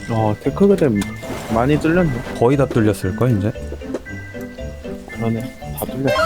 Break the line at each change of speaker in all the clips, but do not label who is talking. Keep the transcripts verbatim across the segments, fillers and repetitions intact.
어 테크그램 많이 뚫렸네.
거의 다 뚫렸을걸 이제?
그러네. 다 뚫렸어.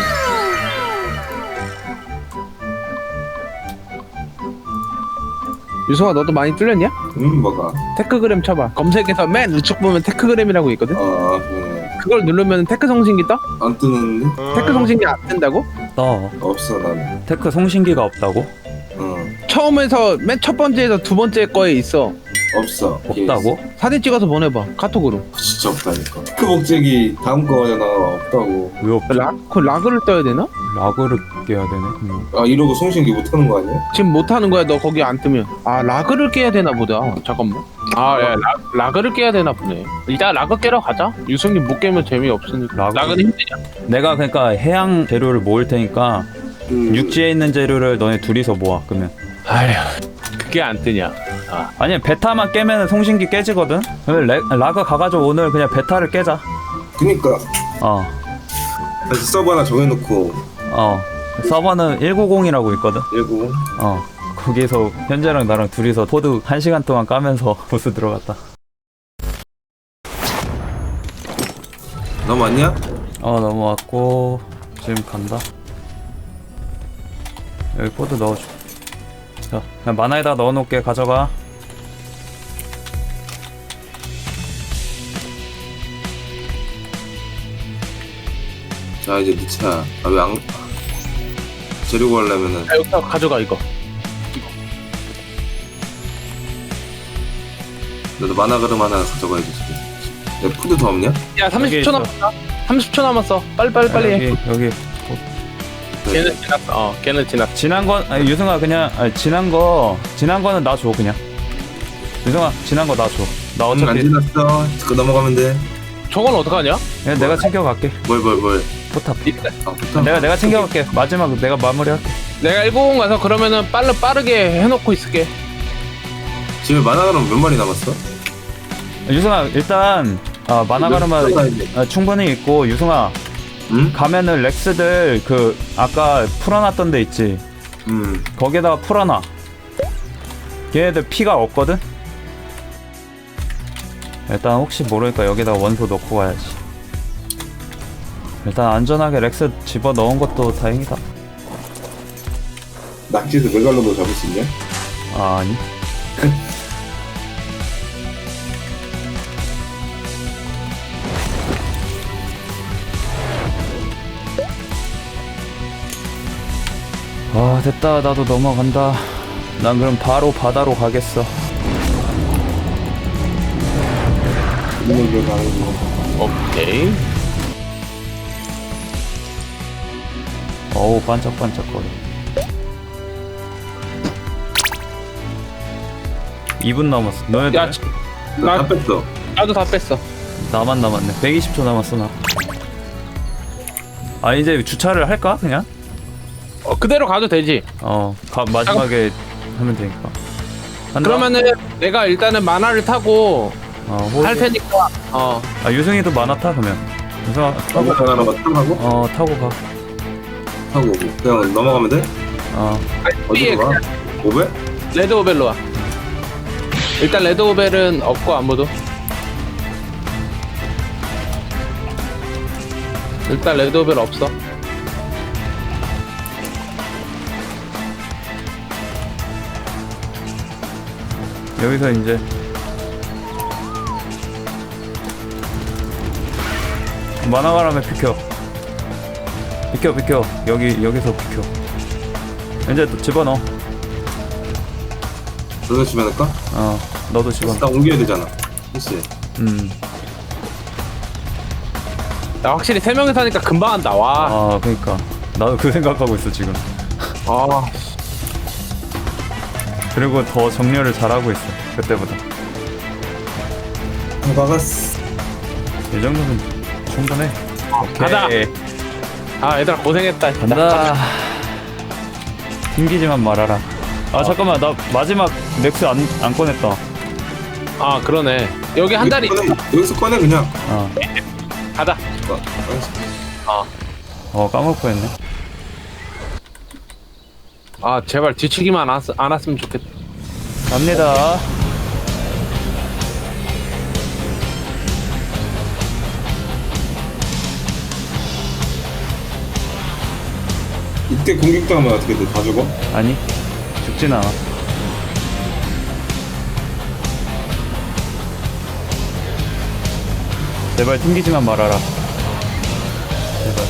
유성아 너도 많이 뚫렸냐?
음 뭐가?
테크그램 쳐봐. 검색해서 맨 우측 보면 테크그램이라고 있거든.
아 네.
그걸 누르면 테크 송신기 떠?
안 뜨는데?
테크 송신기 안 뜬다고?
떠.
없어 나는.
테크 송신기가 없다고?
어
처음에서 맨 첫 번째에서 두 번째 거에 있어.
없어.
없다고?
사진 찍어서 보내봐 카톡으로.
진짜 없다니까. 그 목적이 다음 거잖아. 없다고.
왜 없지?
라, 그 라그를 떠야 되나?
라그를 깨야 되네. 음.
아 이러고 송신기 못하는 거 아니야?
지금 못하는 거야 너 거기 안 뜨면. 아 라그를 깨야 되나 보다. 잠깐만. 아 야, 라, 라그를 깨야 되나 보네. 일단 라그 깨러 가자. 유성님 못 깨면 재미없으니까.
라그?
라그는 힘드냐?
내가 그러니까 해양 재료를 모을 테니까
그...
육지에 있는 재료를 너네 둘이서 모아. 그러면
아휴 그게 안 뜨냐. 아
아니 베타만 깨면 송신기 깨지거든. 그러면 레, 라그 가가지고 오늘 그냥 베타를 깨자.
그니까
어
다시 서버 하나 정해놓고
어. 서버는 백구십이라고 있거든.
일고.
어 거기서 현재랑 나랑 둘이서 포드 한 시간 동안 까면서 보스 들어갔다.
너 맞냐?
어 넘어왔고 지금 간다. 여기 포드 넣어줘. 자 그냥 만화에다 넣어놓을게. 가져가.
자 이제 네 차야. 아왜 안? 재료 구하려면은
야, 여기다 가져가 이거.
너도 만화 그릇 하나 가져가야지 지금. 야 푸드 더 없냐?
야 삼십 초
있어.
남았다. 삼십 초 남았어. 빨리 빨리 빨리 해.
여기 여기
걔는 지났어. 어 걔는 지났어.
지난 건 아니, 유승아 그냥 아니, 지난 거 지난 거는 나 줘 그냥. 유승아 지난 거 나 줘. 나
음, 안
어차피
지났어. 그거 넘어가면 돼.
저건 어떡하냐?
그냥 내가 챙겨갈게.
뭘 뭘 뭘.
포탑.
아 포탑.
내가 내가 챙겨갈게. 마지막 내가 마무리할게.
내가 일곱 공 가서 그러면은 빨리 빠르게 해놓고 있을게.
집에 만화 그릇 몇 마리 남았어?
유승아 일단 아, 만화가르마 아, 충분히 있고 유승아
응?
가면은 렉스들 그 아까 풀어놨던 데 있지.
음.
거기에다가 풀어놔. 걔네들 피가 없거든. 일단 혹시 모르니까 여기다가 원소 넣고 가야지. 일단 안전하게 렉스 집어 넣은 것도 다행이다.
낙지에서 메갈로도 잡을 수 있냐?
아, 아니. 아 됐다. 나도 넘어간다. 난 그럼 바로 바다로 가겠어.
이걸로 가는 거.
오케이.
어우 반짝반짝거려. 이 분 남았어. 너네들
야
나
나-
다 뺐어.
나도 다 뺐어.
나만 남았네. 백이십 초 남았어 나. 아 이제 주차를 할까 그냥?
어 그대로 가도 되지.
어 가, 마지막에 하면 되니까. 한다?
그러면은 내가 일단은 만화를 타고
어, 호...
할 테니까. 어
아 유승이도 만화 타 그러면. 유승아
타고
타고
가나로 타고
어 타고 가.
타고 오고. 그냥 넘어가면 돼?
어
B에
어디로 가? 오베?
레드 오벨로 와. 일단 레드 오벨은 없고 아무도. 일단 레드 오벨 없어.
여기서 이제 만화가람에 비켜. 비켜 비켜. 여기 여기서 비켜. 이제 또 집어넣어.
너도 집에 넣을까?
어 너도 집어넣어.
일단 옮겨야 되잖아. 그치?
음.
야 확실히 세 명이서 하니까 금방 한다. 와.
아 그러니까 나도 그 생각하고 있어 지금.
아.
그리고 더 정렬을 잘하고 있어 그때보다.
박았어.
이 정도면 충분해.
가자.
오케이.
아 얘들아 고생했다.
간다. 튕기지만 말아라. 아 잠깐만 나 마지막 넥스 안, 안 꺼냈다.
아 그러네. 여기 한 달이
꺼내, 여기서 꺼내 그냥.
어,
가자.
어,
어 까먹고 했네.
아 제발 뒤치기만 안, 왔, 안 왔으면 좋겠다.
갑니다.
적대 공격당하면 어떻게 돼? 다 죽어?
아니 죽진 않아. 제발 튕기지만 말아라. 제발.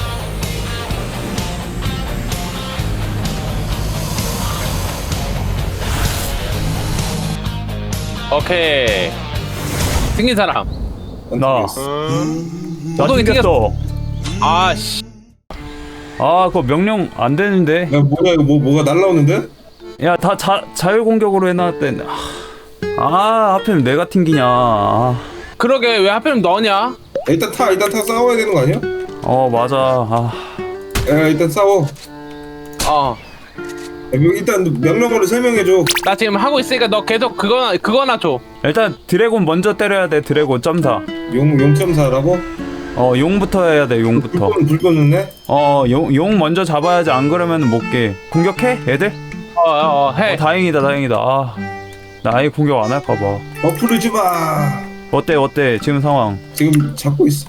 오케이. 생긴 사람.
안
나.
튕겼어.
나
구덩이
튕겼어.
아씨.
아 그거 명령 안 되는데.
야 뭐야 이거 뭐 뭐가 날라오는데?
야 다 자 자유 공격으로 해놨대. 아 하필 내가 튕기냐. 아.
그러게 왜 하필 너냐?
일단 타 일단 타 싸워야 되는 거 아니야?
어 맞아. 아.
야 일단 싸워.
어.
야, 명- 일단 명령어를 설명해줘.
나 지금 하고 있으니까 너 계속 그거나 그거나 줘.
일단 드래곤 먼저 때려야 돼. 드래곤 점사.
용 용점사라고?
어 용부터 해야 돼. 용부터.
불꽃 불꽃은 해?
어용 용 먼저 잡아야지. 안 그러면 못 깨. 공격해 애들?
어, 어, 어 해.
어, 다행이다 다행이다. 아, 나 아예 공격 안 할까 봐.
어플을 줘봐.
어때 어때 지금 상황?
지금 잡고 있어.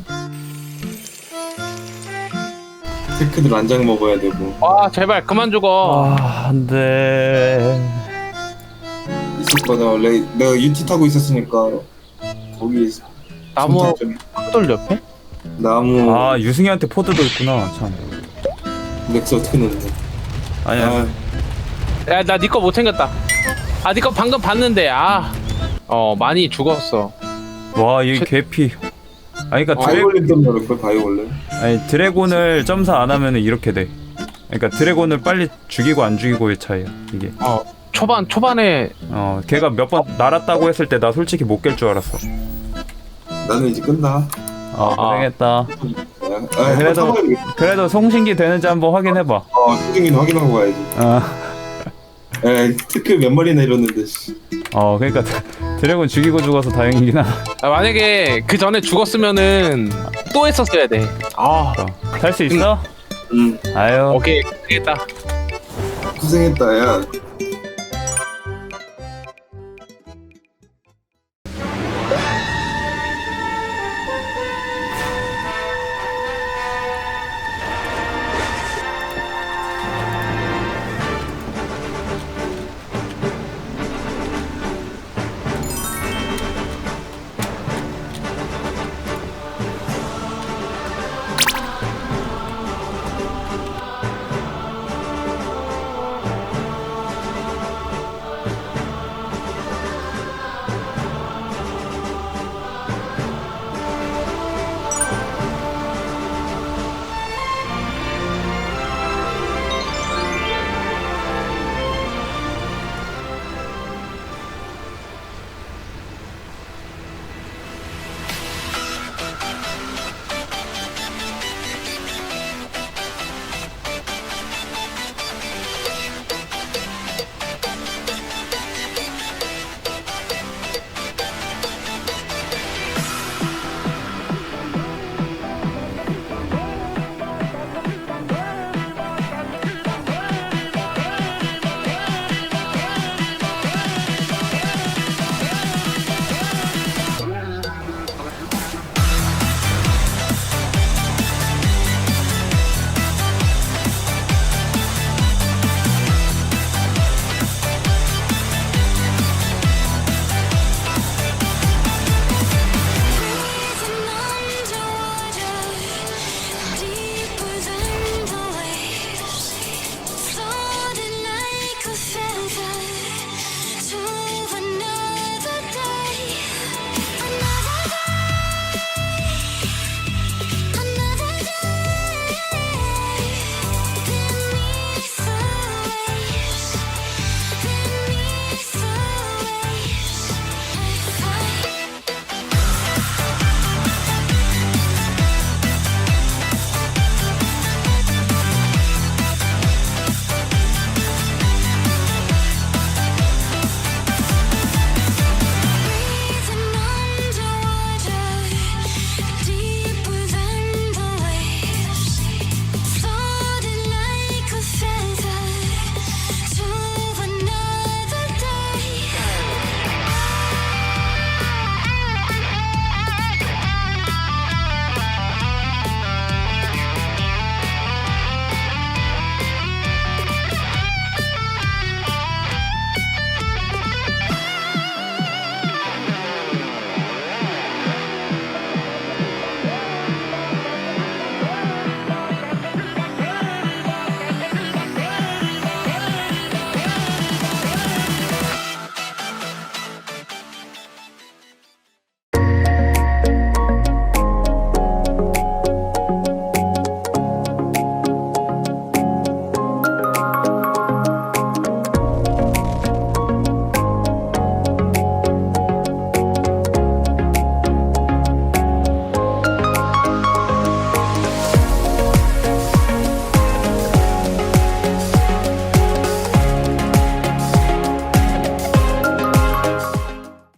테크들 안장 먹어야 되고
와 제발 그만 죽어.
아 안돼.
있을 거다. 원래 내가 유티 타고 있었으니까 거기
나무
선착점.
돌 옆에?
나무
아 유승이한테 포드도 있구나 참.
넥스 어떻게 넣는데?
아니야.
아,
야 나 니 거 못 챙겼다. 아 니 거 방금 봤는데 아. 어 많이 죽었어.
와 이게 개피. 아니 그니까 드래,
바이올린 때문에 그럴 걸 바이올린.
아니 드래곤을 점사 안 하면은 이렇게 돼. 그러니까 드래곤을 빨리 죽이고 안 죽이고의 차이야 이게.
어 초반 초반에
어 걔가 몇 번 날았다고 했을 때 나 솔직히 못 깰 줄 알았어.
나는 이제 끝나.
아 고생했다.
아, 아,
그래도-
그래도
그래도 송신기 되는지 한번 확인해봐.
어 수중이는 확인하고 가야지.
아.
에 특급 몇 마리나 이뤘는데. 씨.
어 그러니까 드래곤 죽이고 죽어서 다행이긴 하다.
아, 만약에 그 전에 죽었으면은 또 했었어야 돼. 아
살 수 있어?
응
아유
오케이 되겠다.
고생했다 야.